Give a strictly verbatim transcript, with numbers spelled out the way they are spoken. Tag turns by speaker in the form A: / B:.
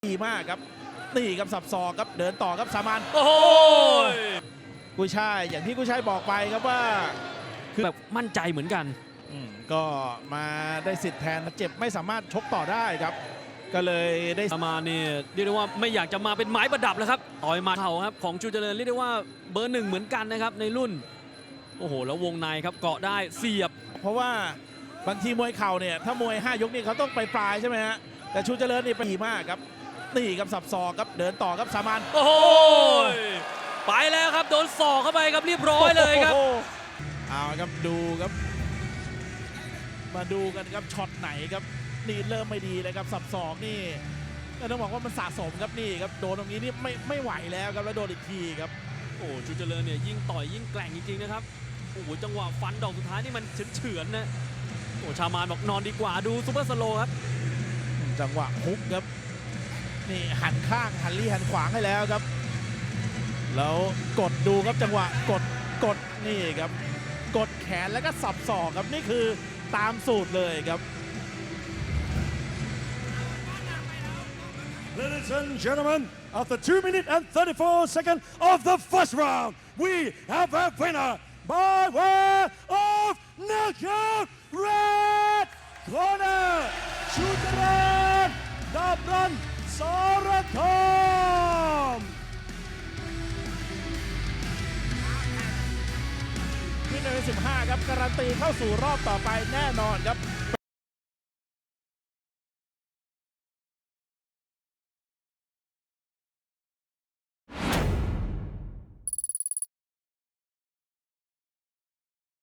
A: ดีมากครับนี่ครับสับศอกครับเดินต่อครับสามาน
B: โอ้โห
A: กุยช่ายอย่างที่กุยช่ายบอกไปครับว่า
B: คือแบบมั่นใจเหมือนกัน
A: ก็มาได้สิทธิ์แทนเจ็บไม่สามารถชกต่อได้ครับก็เลยได้
B: มาเนี่ยเรียกได้ว่าไม่อยากจะมาเป็นไม้ประดับแล้วครับต่อยมาเข่าครับของชูเจริญเรียกได้ว่าเบอร์หนึ่งเหมือนกันนะครับในรุ่นโอ้โหแล้ววงในครับเกาะได้เสียบ
A: เพราะว่าบางทีมวยเข่าเนี่ยถ้ามวยห้ายกนี่เขาต้องไปปลายใช่ไหมฮะแต่ชูเจริญนี่ดีมากครับนี่ครับสับศอกครับเดินต่อครับสามาน
B: โอ้โหไปแล้วครับโดนศอกเข้าไปครับเรียบร้อยเลยครับ
A: เอาครับดูครับมาดูกันครับช็อตไหนครับนี่เริ่มไม่ดีเลยครับสับศอกนี่ต้องบอกว่ามันสะสมครับนี่ครับโดนตรงนี้นี่ไม่ไม่ไหวแล้วครับแล้วโดนอีกทีครับ
B: โอ้ชูเจริญเนี่ยยิ่งต่อยยิ่งแกร่งจริงๆนะครับโอ้โหจังหวะฟันดอกสุดท้ายนี่มันเฉือนๆนะโอ้ชามานบอกนอนดีกว่าดูซุปเปอร์สโลว์ครับ
A: จังหวะฮุกครับนี่หันข้างหันลี่หันขวางให้แล้วครับแล้วกดดูครับจังหวะกดกดนี่ครับกดแขนแล้วก็สับศอกครับนี่คือตามสูตรเลยครับ
C: Ladies and gentlemen, after two minutes and thirty-four seconds of the first round, we have a winner by way of knockout red corner, Chuteran Dabran Saratham.
A: ที่ในสิบห้าครับการันตีเข้าสู่รอบต่อไปแน่นอนครับ